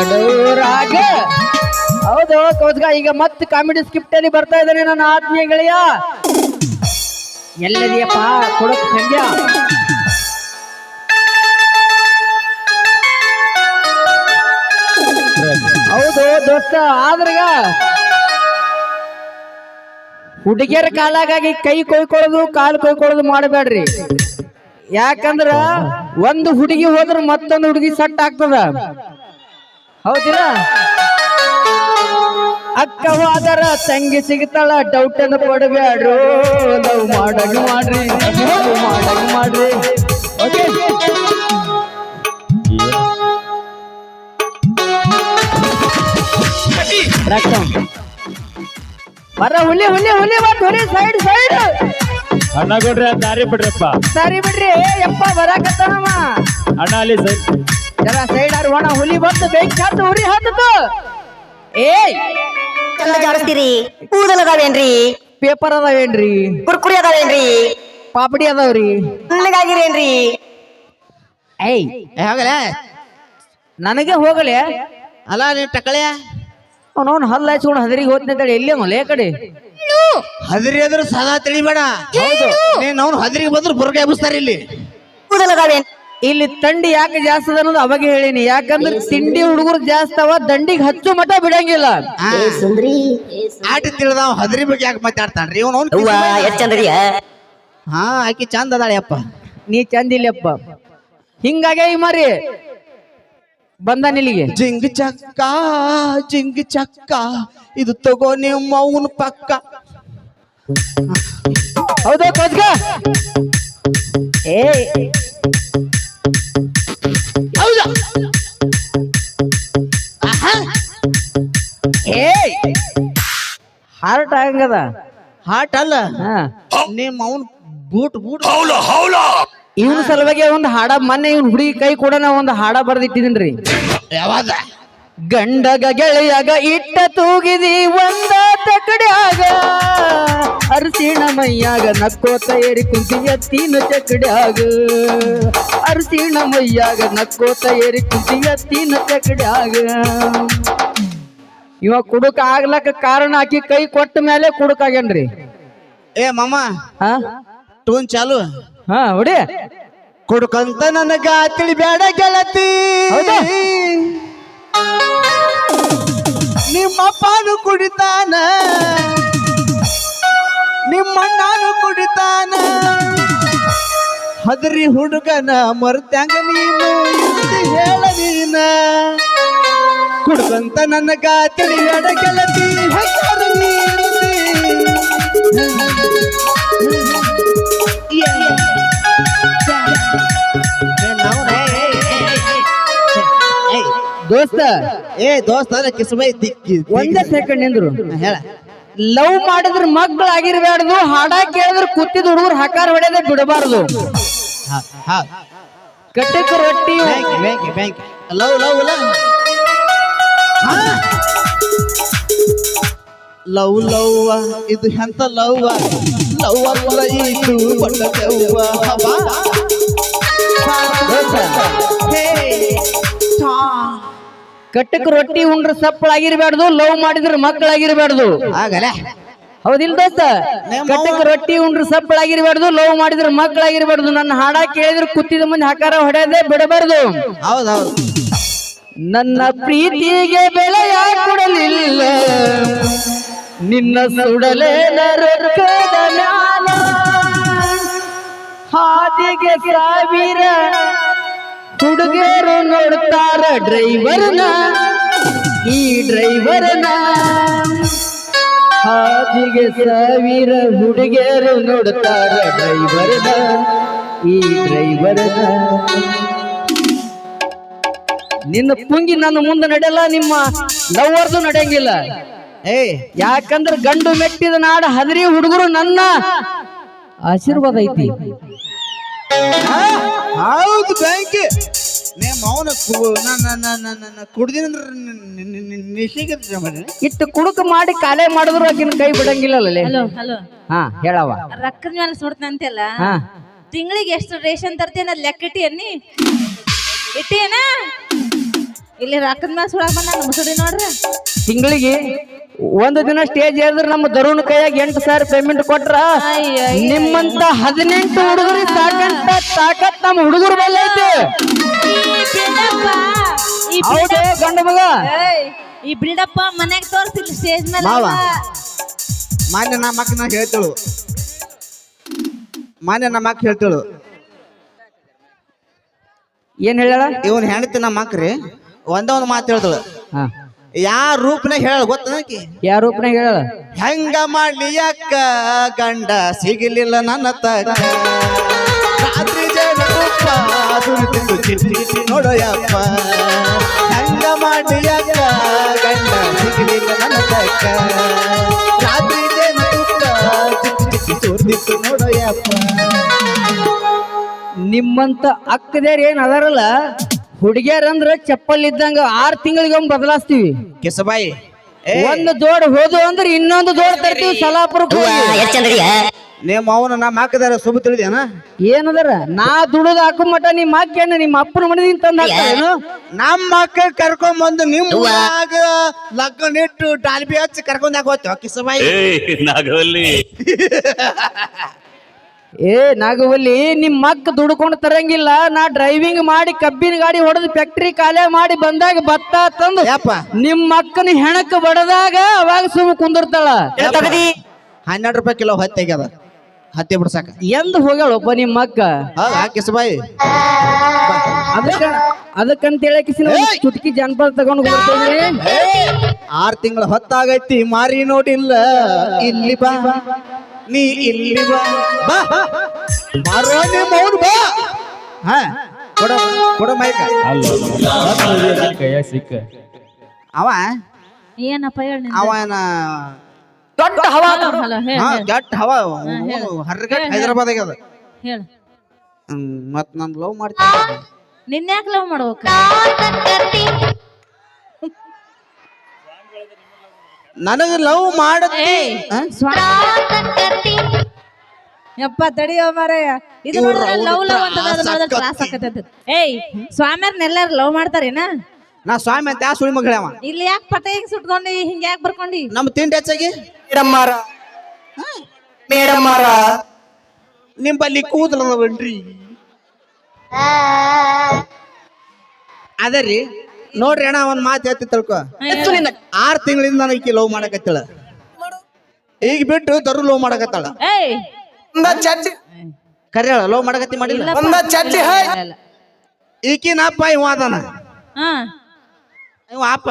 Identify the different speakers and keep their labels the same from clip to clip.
Speaker 1: ರಾಗ. ಹೌದು ಕೌಸ್ಗ, ಈಗ ಮತ್ತೆ ಕಾಮಿಡಿ ಸ್ಕ್ರಿಪ್ಟ್ ಅಲ್ಲಿ ಬರ್ತಾ ಇದ್ದಾನೆ ನನ್ನ ಆತ್ಮೀಯ ಗೆಳೆಯ. ಎಲ್ಲದಿಯಪ್ಪ ಕೊಡಕ್ ಸಂಖ್ಯಾ. ಹೌದು ದೋಸ್ತ, ಆದ್ರಗ ಹುಡುಗಿಯರ ಕಾಲಾಗಾಗಿ ಕೈ ಕೊಯ್ಕೊಳ್ಳೋದು ಕಾಲು ಕೊಯ್ಕೊಳ್ಳೋದು ಮಾಡಬೇಡ್ರಿ. ಯಾಕಂದ್ರ ಒಂದು ಹುಡುಗಿ ಹೋದ್ರ ಮತ್ತೊಂದು ಹುಡುಗಿ ಸಟ್ ಆಗ್ತದ. ಹೌದಿಲ್ಲ? ಅಕ್ಕವಾದರ ತಂಗಿ ಸಿಗ್ತಾಳ, ಡೌಟ್ ಅನ್ನು ಪಡಬೇಡ್ರು. ಲವ್ ಮಾಡಂಗ್ ಮಾಡ್ರಿ, ಮಾಡಂಗ್ ಮಾಡ್ರಿ. ಓಕೆ, ಬರ ಹುಲಿ ಹುಲಿ ಹುಲಿ ಬಂದ್ ಹುಲಿ ಸೈಡ್ ಸೈಡ್.
Speaker 2: ಅಣ್ಣ ಕೊಡ್ರಿ, ದಾರಿ ಬಿಡ್ರಪ್ಪ.
Speaker 1: ಸರಿ ಬಿಡ್ರಿ ಯಪ್ಪ, ಬರಾಕತ್ತಾನಮ್ಮ.
Speaker 2: ಅಣ್ಣ ಅಲ್ಲಿ ಸೈಡ್
Speaker 1: ಜರ ಸೈಡ್ ಆರು ಒಣ ಹುಲಿ ಬಂದು ಬೆಂಕಿ ಹತ್ತು ಉರಿ ಹತ್ತು. ಏಯ್
Speaker 3: ಚಂದ ಜಾಡಿಸ್ತೀರಿ. ಕೂದಲ್ ಅದಾವೇನ್ರಿ?
Speaker 1: ಪೇಪರ್ ಅದಾವೇನ್ರಿ?
Speaker 3: ಕುರ್ಕುರಿ ಅದಾವೇನ್ರಿ?
Speaker 1: ಪಾಪಡಿ ಅದಾವ್ರಿ?
Speaker 3: ಹಣ್ಣಗಾಗಿರೇನ್ರಿ?
Speaker 1: ಏಯ್
Speaker 4: ಹೋಗಲ
Speaker 1: ನನಗೆ ಹೋಗಲೆ
Speaker 4: ಅಲ್ಲ ನೀ ಟಕಳೆ
Speaker 1: ಅವನವನ್ ಹಲ್ಲ ಹಚ್ಕೊಂಡು ಹದರಿಗೆ ಹೋಗ್ತಂತೇಳಿ ಎಲ್ಲಿ ಅವಲ್ಲ ಕಡೆ
Speaker 4: ಹದಿರಿ ಅದ್ರ ಸದಾ ತಿಳಿಬೇಡ. ನೀನ್ ಅವ್ನು ಹದಿರಿಗೆ ಬಂದ್ರು ಬುರ್ಗೆ ಎಬ್ಬಿಸ್ತಾರ ಇಲ್ಲಿ.
Speaker 3: ಕೂದಲ್ ಅದಾವೇನ್?
Speaker 1: ಇಲ್ಲಿ ತಂಡಿ ಯಾಕೆ ಜಾಸ್ತಿ ಅದ ಅನ್ನೋದು ಅವಾಗ ಹೇಳಿನಿ. ಯಾಕಂದ್ರೆ ತಿಂಡಿ ಹುಡುಗರು ಜಾಸ್ತಿ ಅವ, ದಂಡಿಗೆ ಹಚ್ಚು ಮಠ ಬಿಡಂಗಿಲ್ಲ.
Speaker 4: ಆಟ ತಿಳಿದಾವ್ ಹದಿರಿ ಬಗ್ಗೆ ಯಾಕೆ ಮಾತಾಡ್ತಾನ್ರಿ ಇವನು?
Speaker 3: ಎಷ್ಟ್ ಚಂದ್ರಿಯ?
Speaker 4: ಹಾ, ಆಕಿ ಚಂದ ಅದಾಳೆ ಅಪ್ಪ.
Speaker 1: ನೀ ಚಂದಿಲ್ಲಪ್ಪ. ಹಿಂಗಾಗೆ ಈ ಮಾರಿ ಬಂದ ನಿಲ್ಲಿಗೆ.
Speaker 4: ಜಿಂಗ್ ಚಕ್ಕ ಇದು ತಗೋ ನಿಮ್ಮ ಅವನ ಪಕ್ಕ.
Speaker 1: ಹೌದಾ ಕೋಚ್ಗ? ಏ
Speaker 4: ಹೌದಾ?
Speaker 1: ಏ ಹಾರ್ಟ್ ಆಗಂಗದ.
Speaker 4: ಹಾಟ್ ಅಲ್ಲ,
Speaker 1: ಹಾ,
Speaker 4: ನಿಮ್ಮ ಅವನ್ ಬೂಟ್ ಬೂಟ್.
Speaker 1: ಇವನ್ ಸಲುವಾಗಿ ಒಂದು ಹಾಡ ಮೊನ್ನೆ ಇವನ್ ಹುಡುಗಿ ಕೈ ಕೂಡ ನಾ ಒಂದು ಹಾಡ ಬರ್ದಿಟ್ಟಿದೀನ್ರಿ.
Speaker 4: ಯಾವಾಗ?
Speaker 1: ಗಂಡಗ ಗೆಳೆಯಾಗ ಇಟ್ಟ ತೂಗಿದಿ ಒಂದ ತಕಡ್ಯಾಗ, ಅರಸಿಣ ಮೈಯಾಗ ನಕ್ಕೋತ ಏರಿ ಕುಂತಿ ಎತ್ತಿನ ಚಕಡ್ಯಾಗ, ಅರಸಿಣ ಮೈಯಾಗ ನಕ್ಕೋತ ಏರಿ ಕುಂತಿ ಎತ್ತಿನ ಚಕಡ್ಯಾಗ. ಇವ ಕುಡುಕ ಆಗ್ಲಕ್ಕ ಕಾರಣ ಆಕಿ ಕೈ ಕೊಟ್ಟ ಮೇಲೆ ಕುಡುಕಾಗ್ಯಾನ್ರಿ.
Speaker 4: ಏ ಮಾಮ,
Speaker 1: ಹಾ
Speaker 4: ಟೂನ್ ಚಾಲು.
Speaker 1: ಹಾ ಹೊಡಿ.
Speaker 4: ಕುಡ್ಕಂತ ನನಗ ತಿಳಿಬೇಡ ಗೆಳತಿ,
Speaker 1: ಹೌದಾ?
Speaker 4: ನಿಮ್ಮಪ್ಪನು ಕುಡಿತಾನ, ನಿಮ್ಮಣ್ಣನು ಕುಡಿತಾನ, ಹದರಿ ಹುಡುಗನ ಮರ್ತ್ಯಾಂಗ ನೀನು ಇರ್ತಿ ಹೇಳ ನೀನ. ಕುಡ್ಕಂತ ನನಗ ತಿಳಿಬೇಡ ಗೆಳತಿ, ಹೆಸರು ನೀರ್ತಿ.
Speaker 1: ದೋಸ್ತ,
Speaker 4: ದೋಸ್ತ ಕಿಸ್ಬೈ ದಿಕ್ಕಿ
Speaker 1: ಒಂದೇ ಸೆಕೆಂಡ್ ನಿಂದ್ರು.
Speaker 4: ಹೇಳ.
Speaker 1: ಲವ್ ಮಾಡಿದ್ರ ಮಕ್ಕಳಾಗಿರ್ಬಾರ್ದು, ಹಾಡ ಕೇಳಿದ್ರ ಕೂತಿದ ಹುಡುಗರು ಹಕಾರ ಹೊಡೆದ ಬಿಡಬಾರ್ದು. ಕಟ್ಟಕ ರೊಟ್ಟಿ
Speaker 4: ಲವ್ ಲವ್ ಲವ್ ಲವ್ ಇದು ಎಂತ ಲವ್? ಲವ್ ಅಲ್ಲ ಇದು ಬಣ್ಣ ದೆವ್ವ.
Speaker 1: ಕಟ್ಟಕ ರೊಟ್ಟಿ ಉಂಡ್ರ ಸಪ್ಪಳಾಗಿರ್ಬಾರ್ದು, ಲವ್ ಮಾಡಿದ್ರ ಮಕ್ಕಳಾಗಿರ್ಬಾರ್ದು.
Speaker 4: ಆಗಲ್ಲ,
Speaker 1: ಹೌದಿಲ್ ದೋಸ್ತ? ಕಟ್ಟಕ ರೊಟ್ಟಿ ಉಂಡ್ರ ಸಪ್ಪಳಾಗಿರ್ಬಾರ್ದು, ಲವ್ ಮಾಡಿದ್ರ ಮಕ್ಕಳಾಗಿರ್ಬಾರ್ದು. ನನ್ನ ಹಾಡ ಕೇಳಿದ್ರ ಕೂತಿದ ಮುಂದೆ ಹಕಾರ ಹೊಡೆಯದೆ ಬಿಡಬಾರ್ದು.
Speaker 4: ಹೌದೌದು.
Speaker 1: ನನ್ನ ಪ್ರೀತಿಗೆ ಬೆಲೆಯ ಕೊಡಲಿಲ್ಲ, ನಿನ್ನ ಸುಡಲೇನ ರೊಕ್ಕದ ಮ್ಯಾಲ, ಹಾದಿಗೆ ಸಾವಿರ ಹುಡುಗರು ನೋಡ್ತಾರ ಡ್ರೈವರ್ನ, ಈ ಡ್ರೈವರ್ನ. ಹಾದಿಗೆ ಸಾವಿರ ಹುಡುಗರು ನೋಡ್ತಾರ ಡ್ರೈವರ್ನ, ಈ ಡ್ರೈವರ್ನ. ನಿನ್ನ ಪುಂಗಿ ನನ್ನ ಮುಂದೆ ನಡೆಯಲ್ಲ, ನಿಮ್ಮ ಲವ್ವರ್ದು ನಡೆಯಂಗಿಲ್ಲ. ಯಾಕಂದ್ರೆ ಗಂಡು ಮೆಟ್ಟಿದ ನಾಡ ಹದರಿ ಹುಡುಗರು ನನ್ನ ಆಶೀರ್ವಾದ ಐತಿ.
Speaker 4: ಹೌದು ಬ್ಯಾಂಕಿ. ನಿಮ್ಮ ಅವನ ಕುಡ್ದಿನಂದ್ರ
Speaker 1: ಇಟ್ಟು ಕುಡುಕ ಮಾಡಿ ಕಾಲೇ ಮಾಡಿದ್ರು ಆಕಿನ ಕೈ ಬಿಡಂಗಿಲ್ಲ.
Speaker 5: ಹಲೋ ಹಲೋ,
Speaker 1: ಹಾ ಹೇಳವ.
Speaker 5: ರೊಕ್ಕದ ಮೇಲೆ ಸುಡ್ತಂತೆಲ್ಲ,
Speaker 1: ಹಾ
Speaker 5: ತಿಂಗಳಿಗೆ ಎಷ್ಟು ರೇಷನ್ ತರ್ತೀನ ಲೆಕ್ಕ ಇಟ್ಟಿ ಅನ್ನಿ ಇಟ್ಟೇನ? ಇಲ್ಲಿ ರೊಕ್ಕದ ಮ್ಯಾಲ ಸುಳಾಕ್ ಬಂದ ಮುಸುಡಿ ನೋಡ್ರಿ.
Speaker 1: ತಿಂಗಳಿಗೆ ಒಂದು ದಿನ ಸ್ಟೇಜ್ ಏರಿದ್ರೆ ನಮ್ಮ ದರುಣ್ ಕೈಯಾಗ 8,000 ಪೇಮೆಂಟ್ ಕೊಟ್ರ
Speaker 5: ಅಯ್ಯ,
Speaker 1: ನಿಮ್ಮಂತ 18 ಹುಡುಗರಿಗೆ ಸಾಕಂತ ತಾಕತ್ ನಮ್ಮ ಹುಡುಗರು ಬಲ್ಲ ಐತಿ. ಹೌದು ಗಂಡು ಮಗ.
Speaker 5: ಈ ಬಿಲ್ಡಪ್ಪ ಮನ್ಯಾಗ ತೋರ್ಸಿಲ್ಲ ಸ್ಟೇಜ್ ಮೇಲೆ
Speaker 4: ಮಾವ. ಮಾನ್ಯ ನಮ್ಮ ಅಕ್ಕ ಹೇಳ್ತೇಳು
Speaker 1: ಏನ್ ಹೇಳ
Speaker 4: ಇವನ್ ಹೆಣ್ತಿ ನಮ್ಮ ಅಕ್ರಿ ಒಂದ ಒಂದು ಮಾತು ಹೇಳ್ತಳು.
Speaker 1: ಹಾ
Speaker 4: ಯಾ ರೂಪನಾಗ ಹೇಳ ಗೊತ್ತನಕಿ
Speaker 1: ಯಾರ ರೂಪನಾಗ ಹೇಳ
Speaker 4: ಹೆಂಗ ಮಾಡ್ಲಿ ಅಕ್ಕ ಗಂಡ ಸಿಗಲಿಲ್ಲ ನನ್ನ ತಕ್ಕ ರಾತ್ರಿ ಜನ ತುಪ್ಪ ದುಡಿದು ಚಿಟ್ಟಿ ನೋಡೋಯಪ್ಪ ಹೆಂಗ ಮಾಡ್ಲಿ ಅಕ್ಕ ಗಂಡ ಸಿಗಲಿಲ್ಲ ನನ್ನ ತಕ್ಕ ರಾತ್ರಿ ಜನ ತುಪ್ಪ ಚಿಟ್ಟಿ ಸುರಿದು ನೋಡೋಯಪ್ಪ.
Speaker 1: ನಿಮ್ಮಂತ ಅಕ್ಕದೇರ್ ಏನ್ ಅದಾರಲ್ಲ ಹುಡುಗಿಯರಂದ್ರ ಚಪ್ಪಲ್ ಇದ್ದಂಗ 6 ತಿಂಗಳಿಗೆ ಬದಲಾಸ್ತೀವಿ.
Speaker 4: ಕೆಸಬಾಯಿ
Speaker 1: ಒಂದು ಜೋಡ್ ಹೋದು ಅಂದ್ರೆ ಇನ್ನೊಂದು ಜೋಡ್ ತರ್ತೀವಿ ಸಲಾಪುರಕ್ಕೆ ಹೋಗಿ.
Speaker 3: ಎಷ್ಟ್ ಚಂದ್ರಿಯ
Speaker 4: ನಿಮ್ಮ ಅವನ ನಮ್ಮ ಹಾಕದಾರ ಸುಬ ತಿಳಿದೇನ
Speaker 1: ಏನದಾರ ನಾ ದುಡಿದು ಹಾಕೋ ಮಟ ನಿಮ್ಮ ಅಕ್ಕೇನು ನಿಮ್ಮ ಅಪ್ಪನ ಮನೆದಿಂದ ತಂದ ಹಾಕ್ತಾರೇನು?
Speaker 4: ನಮ್ಮ ಮಕ್ಕಳು ಕರ್ಕೊಂಡ್ ಬಂದು ನಿಮ್ಮ ಊರಾಗ ಲಗ್ನ ಇಟ್ಟು ಡಾಲ್ಬಿ ಹಚ್ಚಿ ಕರ್ಕೊಂಡ್ ಹಾಕೋತ ಕಿಸಬಾಯಿ.
Speaker 2: ನಾಗವಲ್ಲಿ
Speaker 1: ಏ ನಾಗವಲ್ಲಿ ನಿಮ್ಮ ಅಕ್ಕ ದುಡ್ಕೊಂಡು ತರಂಗಿಲ್ಲ. ನಾ ಡ್ರೈವಿಂಗ್ ಮಾಡಿ ಕಬ್ಬಿನ ಗಾಡಿ ಹೊಡೆದು ಫ್ಯಾಕ್ಟ್ರಿ ಕಾಲೇ ಮಾಡಿ ಬಂದಾಗ ಭತ್ತ ತಂದು
Speaker 4: ಯಪ್ಪ
Speaker 1: ನಿಮ್ಮ ಅಕ್ಕನ ಹೆಣಕ್ ಬಡದಾಗ ಅವಾಗ ಸುಮ್ಮ ಕುಂದಿರ್ತಾಳ.
Speaker 4: 12 ರೂಪಾಯಿ ಕಿಲೋ ಹತ್ತಿ ಆಗ್ಯದ ಹತ್ತಿ ಬಿಡ್ಸಾಕ.
Speaker 1: ಎಂದ್ ಹೋಗ್ಯಾಳಪ್ಪ ನಿಮ್ಮ ಅಕ್ಕ.
Speaker 4: ಹೌದಾ ಕಿಸಬಾಯಿ?
Speaker 1: ಅದಕ್ಕಂತ ಹೇಳಕಿಸಿನ ಚುಟ್ಕಿ ಜನಪದ ತಗೊಂಡು ಬರ್ತೇನೆ.
Speaker 4: 6 ತಿಂಗಳ ಹೊತ್ತಾಗೈತಿ ಮಾರಿ ನೋಡಿಲ್ಲ ಇಲ್ಲಿ ಬಾ ನೀ ಇಲ್ಲಿ ಬಾ ಬಾ ಮಾರೋ ನಿಮ್ಮ ಅವ್ನು ಬಾ. ಹಾ ಕೊಡ ಕೊಡ ಮೈಕ.
Speaker 2: ಅಲ್ಲ ಕೈಯಾಗ ಸಿಕ್ಕ
Speaker 4: ಅವ
Speaker 5: ಏನಪ್ಪ ಹೇಳಿ
Speaker 4: ಅವನ
Speaker 1: ದೊಡ್ಡ ಹವಾ
Speaker 5: ಹಲೋ ಹೇಳ
Speaker 4: ಗಟ್ ಹವ ಹರ್ಗಟ್ ಹೈದರಾಬಾದ್ ಆಗ್ಯದ.
Speaker 5: ಹೇಳ
Speaker 4: ಮತ್ ನಾನು ಲವ್ ಮಾಡ್ತೀನಿ.
Speaker 5: ನಿನ್ಯಾಕ್ ಲವ್ ಮಾಡ್ಬೇಕ?
Speaker 4: ನನಗ ಲವ್ ಮಾಡತಿ
Speaker 5: ಯಪ್ಪ ತಡಿಯೋ ಮಾರಾಯ. ಇದು ನೋಡಿದ್ರೆ ಲವ್ ಲವ್ ಅಂತ ಕ್ಲಾಸ್ ಆಕತೈತಿ. ಏಯ್ ಸ್ವಾಮಿಯರ್ನೆಲ್ಲಾರು ಲವ್ ಮಾಡ್ತಾರೇನ?
Speaker 4: ನಾ ಸ್ವಾಮಿ ಅಂತ ಯಾ ಸುಳಿ ಮಗಳ ಅವ.
Speaker 5: ಇಲ್ಲಿ ಯಾಕೆ ಪಟ ಹಿಂಗ್ ಸುಟ್ಕೊಂಡಿ ಹಿಂಗ ಯಾಕೆ ಬರ್ಕೊಂಡಿ?
Speaker 4: ನಮ್ಮ ತಿಂಡಿ ಹೆಚ್ಚಾಗಿ ನಿಂಬಲ್ಲಿ ಕೂದಲವನ್ರಿ ಅದರಿ ನೋಡ್ರಿ ಅಣ್ಣ ಒಂದ್ ಮಾತು ಹೇಳ್ತಿ ತಿಳ್ಕೊ. 6 ತಿಂಗಳಿಂದ ನನಗೆ ಲವ್ ಮಾಡಕತ್ತಳ. ಈಗ ಬಿಟ್ಟು ದರು ಲವ್ ಮಾಡಕತ್ತಾಳ.
Speaker 5: ಏಯ್
Speaker 4: ಕರೆ ಹೇಳ ಲವ್ ಮಾಡಕತ್ತಿ ಮಾಡಿಲ್ಲ. ಈಕಿನ ಅಪ್ಪ ಇವ ಅದಾನ.
Speaker 5: ಹಾ
Speaker 4: ಇವ ಅಪ್ಪ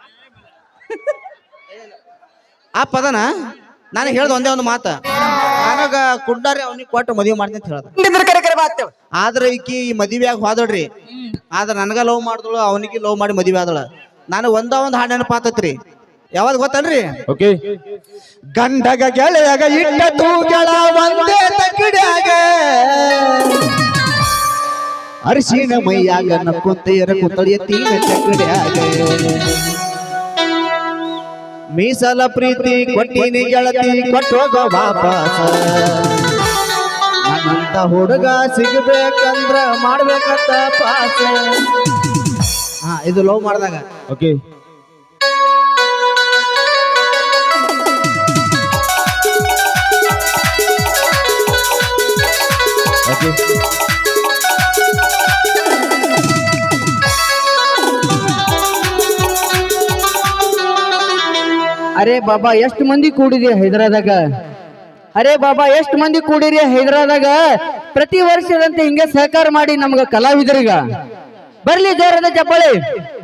Speaker 4: ಅದಾನ. ನನಗೆ ಹೇಳ್ದ ಒಂದೇ ಒಂದು ಮಾತ, ನನಗ ಕುಡ್ಡಾರಿ ಅವನಿಗೆ ಕೊಟ್ಟು ಮದುವೆ ಮಾಡ್ತೀನಿ ಅಂತ ಹೇಳ್ದ. ಆದ್ರೆ ಈಕಿ ಈ ಮದುವೆಯಾಗ ಹೋದಳ್ರಿ. ಆದ್ರೆ ನನಗ ಲವ್ ಮಾಡಿದಳು, ಅವನಿಗೆ ಲವ್ ಮಾಡಿ ಮದುವೆ ಆದಳ. ನಾನು ಒಂದು ಹಾಡು ನೆನಪಾತತ್ರಿ. ಯಾವಾಗ ಗೊತ್ತನ್ರಿ?
Speaker 2: ಓಕೆ
Speaker 4: ಗಂಡಗ ಗೆಳೆಯಾಗ ಇಟ್ಟ ತೂಗಳ ಒಂದೇ ತಗಡ್ಯಾಗ ಅರಿಶಿನ ಮೈಯಾಗ ನಕ್ಕೊಂತೆಯರ ಕುತ್ತಳಿಯ ತೀಗ ಚಕಡ್ಯಾಗ ಮೀಸಲ ಪ್ರೀತಿ ಕೊಟ್ಟಿನಿ ಗೆಳತಿ ಕೊಟ್ಟೋಗ ವಾಪಸ ನನ್ನಂತ ಹುಡುಗ ಸಿಗಬೇಕಂದ್ರ ಮಾಡ್ಬೇಕಂತ ಪಾಸ. ಹಾ ಇದು ಲವ್ ಮಾಡಿದಾಗ.
Speaker 2: ಓಕೆ ಓಕೆ
Speaker 1: ಅರೆ ಬಾಬಾ ಎಷ್ಟು ಮಂದಿ ಕೂಡಿದೆ ಹೈದರಾದಾಗ? ಅರೆ ಬಾಬಾ ಎಷ್ಟು ಮಂದಿ ಕೂಡಿರಿ ಹೈದರಾದಾಗ? ಪ್ರತಿ ವರ್ಷದಂತೆ ಹಿಂಗೆ ಸಹಕಾರ ಮಾಡಿ ನಮ್ಗ ಕಲಾವಿದರಿಗ ಬರ್ಲಿ ಜೋರದ ಚಪ್ಪಾಳೆ.